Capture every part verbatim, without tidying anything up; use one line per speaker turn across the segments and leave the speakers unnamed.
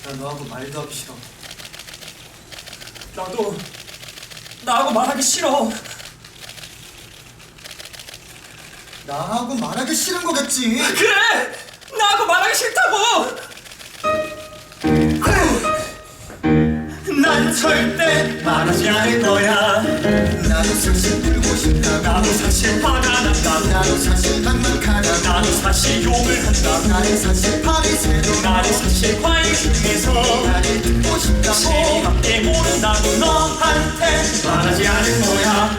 나 너하고 말도 하기 싫어.
나도 나하고 말하기 싫어.
나하고 말하기 싫은 거겠지.
그래! 나하고 말하기 싫다고! 난 절대 말하지 않을 거야.
나도 사실 울고 싶다.
나도 사실 화가 난다.
나도 사실 막막하다.
나도 사실 욕을 한다.
나는 사실 밤이 새도
나는 사실 과일 중에서
나를 듣고 싶다고.
시리밖에 모른다고 너한테 말하지 않을 거야.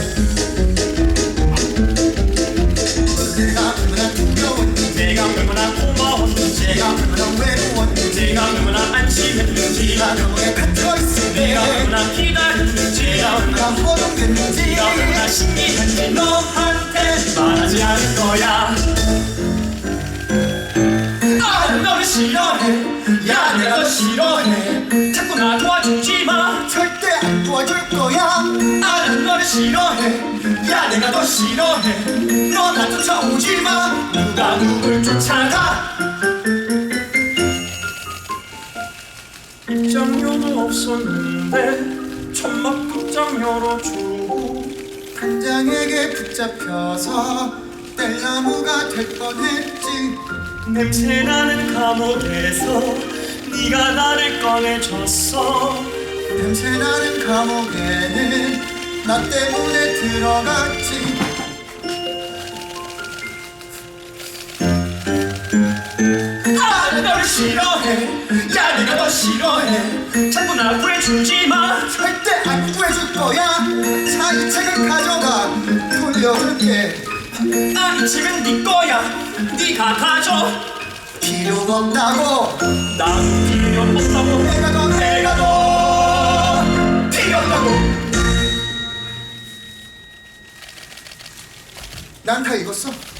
내가 얼마나 두려웠는지,
내가 얼마나 고마웠는지,
내가 얼마나 외로웠는지,
내가 얼마나 안심했는지,
내가 너에 갇혀있을 때
내가 얼마나 기다렸는지,
내가 얼마나 허둥댔는지,
내가 얼마나 신기한지 너한테 말하지 않을 거야. 나는 너를 싫어해. 야, 내가 너 싫어해. 자꾸 나 도와주지 마.
절대 안 도와줄 거야.
나는 너를 싫어해. 야, 내가 너 싫어해. 너 나 쫓아오지 마. 누가 누굴 쫓아가. 입장료도 없었는데 천막 극장 열어주고
단장에게 붙잡혀서 뗄나무가 될 뻔했지.
냄새나는 감옥에서 네가 나를 꺼내줬어.
냄새나는 감옥에는 나 때문에 들어갔지.
나는 너를 싫어해. 야, 내가 너 싫어해. 자꾸 나 구해주지 마.
절대 안 구해줄 거야. 자, 이 책을 가져가. 돌려줄게.
아, 이 책은 네 거야. 네가 가져.
필요가 없다고.
난 필요 없다고.
내가 더
내가 너 필요 없다고.
난 다 읽었어.